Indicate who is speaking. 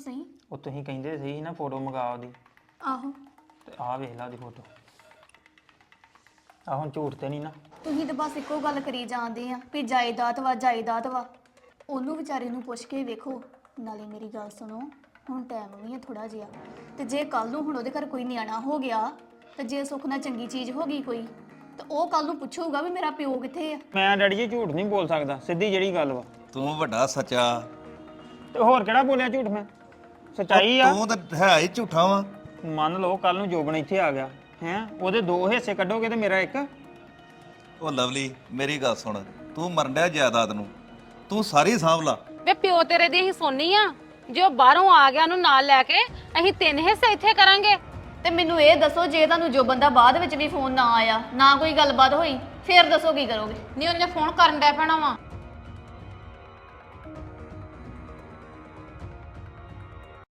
Speaker 1: ਸਹੀ।
Speaker 2: ਉਹ ਤੁਸੀਂ ਕਹਿੰਦੇ ਸੀ ਨਾ ਫੋਟੋ ਮੰਗਾ ਉਹਦੀ
Speaker 1: ਆਹੋ
Speaker 2: ਤੇ ਆਹ ਵੇਖ ਲਾ ਉਹਦੀ ਫੋਟੋ। ਆਹ ਹੁਣ ਝੂਠ ਤੇ ਨਹੀਂ ਨਾ।
Speaker 1: ਤੁਸੀਂ ਤਾਂ ਬਸ ਇੱਕੋ ਗੱਲ ਕਰੀ ਜਾਂਦੇ ਆ ਵੀ ਜਾਇਦਾਦ ਵਾ ਜਾਇਦਾਦ ਵਾ। ਉਹਨੂੰ ਵਿਚਾਰੇ ਨੂੰ ਪੁੱਛ ਕੇ ਵੇਖੋ। ਨਾਲੇ ਮੇਰੀ ਗੱਲ ਸੁਣੋ, ਹੁਣ ਟਾਈਮ ਵੀ ਹੈ ਥੋੜਾ ਜਿਹਾ, ਤੇ ਜੇ ਕੱਲ ਨੂੰ ਹੁਣ ਉਹਦੇ ਘਰ ਕੋਈ ਨਿਆਣਾ ਹੋ ਗਿਆ ਤੇ ਜੇ ਸੁੱਖ ਨਾਲ ਚੰਗੀ ਚੀਜ਼ ਹੋ ਗਈ ਕੋਈ, ਤਾਂ ਉਹ ਕੱਲ ਨੂੰ ਪੁੱਛੂਗਾ ਵੀ ਮੇਰਾ ਪਿਓ ਕਿੱਥੇ ਆ।
Speaker 2: ਮੈਂ ਡੈਡੀ ਜੀ ਝੂਠ ਨਹੀਂ ਬੋਲ ਸਕਦਾ, ਸਿੱਧੀ ਜਿਹੜੀ ਗੱਲ ਵਾ।
Speaker 3: ਤੂੰ ਵੱਡਾ ਸੱਚਾ।
Speaker 2: ਤੇ ਹੋਰ ਕਿਹੜਾ ਬੋਲਿਆ ਝੂਠ ਮੈਂ? ਸੱਚਾਈ ਆ।
Speaker 3: ਤੂੰ ਤਾਂ ਹੈ ਹੀ ਝੂਠਾ ਵਾ।
Speaker 2: ਮੰਨ ਲਓ ਕੱਲ ਨੂੰ ਜੋਬਨ ਇੱਥੇ ਆ ਗਿਆ ਹੈ, ਉਹਦੇ 2 ਹਿੱਸੇ ਕੱਢੋਗੇ ਤੇ ਮੇਰਾ ਇੱਕ।
Speaker 3: ਉਹ ਲਵਲੀ ਮੇਰੀ ਗੱਲ ਸੁਣ, ਤੂੰ ਮਰਨ ਡਿਆ ਜਾਇਦਾਦ ਨੂੰ, ਤੂੰ ਸਾਰੀ ਸਾਂਭ ਲਾ।
Speaker 4: ਵੇ ਪਿਓ ਤੇਰੇ ਦੀ ਅਸੀਂ ਸੋਨੀ ਆ, ਜੋ ਬਾਹਰੋਂ ਆ ਗਿਆ ਉਹਨੂੰ ਨਾਲ ਲੈ ਕੇ ਅਸੀਂ 3 ਹਿੱਸੇ ਇੱਥੇ ਕਰਾਂਗੇ।
Speaker 1: ਤੇ ਮੈਨੂੰ ਇਹ ਦੱਸੋ, ਜੇ ਤੁਹਾਨੂੰ ਜੋ ਬੰਦਾ ਬਾਅਦ ਵਿੱਚ ਵੀ ਫੋਨ ਨਾ ਆਇਆ, ਨਾ ਕੋਈ ਗੱਲਬਾਤ ਹੋਈ, ਫੇਰ ਦੱਸੋ ਕੀ ਕਰੋਗੇ?
Speaker 4: ਨਹੀਂ ਉਹਨੇ ਫੋਨ ਕਰਨ ਡੈ ਪੈਣਾ ਵਾ।